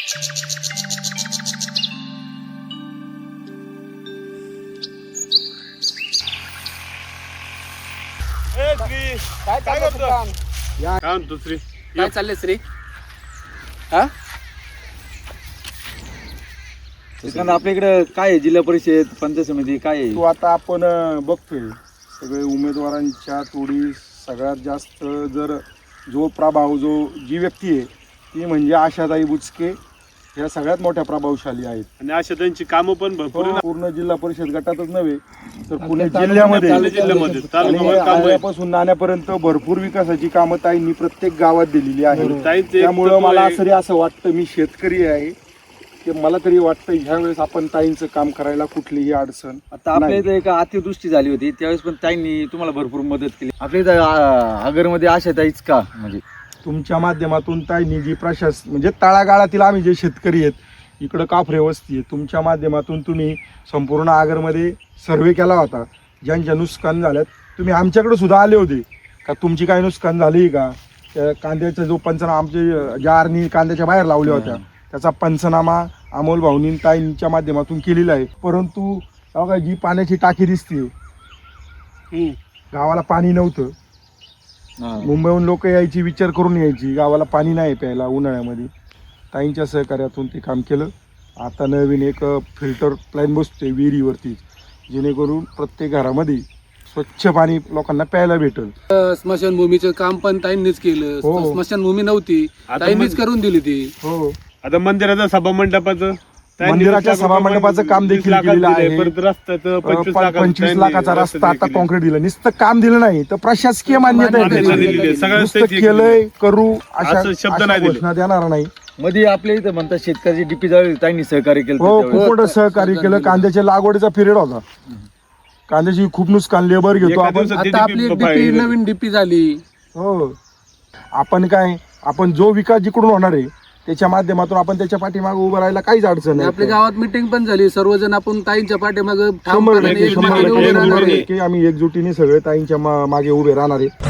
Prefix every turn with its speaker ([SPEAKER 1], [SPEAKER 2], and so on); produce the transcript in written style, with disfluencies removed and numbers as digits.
[SPEAKER 1] काय म्हणतो श्री?
[SPEAKER 2] काय चाललंय श्री? हा
[SPEAKER 3] आपल्या इकडे काय आहे? जिल्हा परिषद पंचायत समिती काय आहे?
[SPEAKER 1] तो आता आपण बघतोय सगळे उमेदवारांच्या तोडी सगळ्यात जास्त जर जो प्रभाव जी व्यक्ती आहे ती म्हणजे आशाताई बुचके ह्या सगळ्यात मोठ्या प्रभावशाली आहेत.
[SPEAKER 4] आणि अशा त्यांची कामं पण भरपूर आहे ना.
[SPEAKER 1] पूर्ण जिल्हा परिषद गटातच नव्हे तर पुणे जिल्ह्यामध्ये आल्यापासून नाण्यापर्यंत भरपूर विकासाची कामं ताईंनी प्रत्येक गावात दिलेली आहेत. त्यामुळं मला तरी असं वाटतं, मी शेतकरी आहे, की मला तरी वाटतं ह्या वेळेस आपण ताईंचं काम करायला कुठलीही अडचण.
[SPEAKER 3] आता आपल्या इथे एक अतिवृष्टी झाली होती त्यावेळेस पण ताईंनी तुम्हाला भरपूर मदत केली. आपल्या इथं आगरमध्ये आशाताईच का म्हणजे
[SPEAKER 1] तुमच्या माध्यमातून ताईंनी जी म्हणजे तळागाळातील आम्ही जे शेतकरी आहेत, इकडं काफरे वस्ती आहे, तुमच्या माध्यमातून तुम्ही संपूर्ण आगरमध्ये सर्वे केला होता. ज्यांच्या नुकसान झाल्यात तुम्ही आमच्याकडे सुद्धा आले होते का, तुमची काय नुकसान झाली का? त्या कांद्याचा जो पंचनामा आमचे ज्या आरणी कांद्याच्या बाहेर लावल्या होत्या त्याचा पंचनामा अमोल भाऊनी ताईंच्या माध्यमातून केलेला आहे. परंतु बघा जी पाण्याची टाकी दिसते, गावाला पाणी नव्हतं. मुंबईहून लोक यायची, विचार करून यायची, गावाला पाणी नाही प्यायला उन्हाळ्यामध्ये. ताईंच्या सहकार्यातून ते काम केलं. आता नवीन एक फिल्टर प्लॅन बसतोय विहिरीवरती, जेणेकरून प्रत्येक घरामध्ये स्वच्छ पाणी लोकांना प्यायला भेटल.
[SPEAKER 2] स्मशानभूमीचं काम पण ताईंनीच केलं.
[SPEAKER 1] हो.
[SPEAKER 2] स्मशानभूमी नव्हती, ताईंनीच करून दिली ती.
[SPEAKER 1] हो,
[SPEAKER 4] आता मंदिराचं सभा मंडपाचं
[SPEAKER 1] मंदिराच्या सभा मंडपाचं काम देखील केलेलं आहे.
[SPEAKER 4] रस्त्याचं
[SPEAKER 1] 25 लाखाचा रस्ता आता कॉन्क्रीट दिलं. नुसतं काम दिलं नाही तर प्रशासकीय मान्यता आहे त्याची. नुसतं केलंय करू अशा
[SPEAKER 4] शब्द नाही दिले.
[SPEAKER 1] घोषणा देणार नाही.
[SPEAKER 3] मध्ये आपल्या इथं म्हणतात शेतकऱ्याची डीपी जवळ ताईंनी सहकार्य केलं.
[SPEAKER 1] हो, खूप मोठं सहकार्य केलं. कांद्याच्या लागवडीचा पिरियड होता, कांद्याची खूप नुकसान लेबर घेतो आपण.
[SPEAKER 2] आता आपली एक डीपी नवीन डीपी झाली.
[SPEAKER 1] हो, आपण जो विकास जिकडून होणार आहे त्याच्या माध्यमातून आपण त्याच्या पाठीमागे उभं राहायला काहीच अडचण नाही.
[SPEAKER 2] आपल्या गावात मिटिंग पण झाली, सर्वजण आपण ताईंच्या पाठीमागे
[SPEAKER 1] 100% आम्ही एकजुटीने सगळे ताईंच्या मागे उभे राहणार आहे.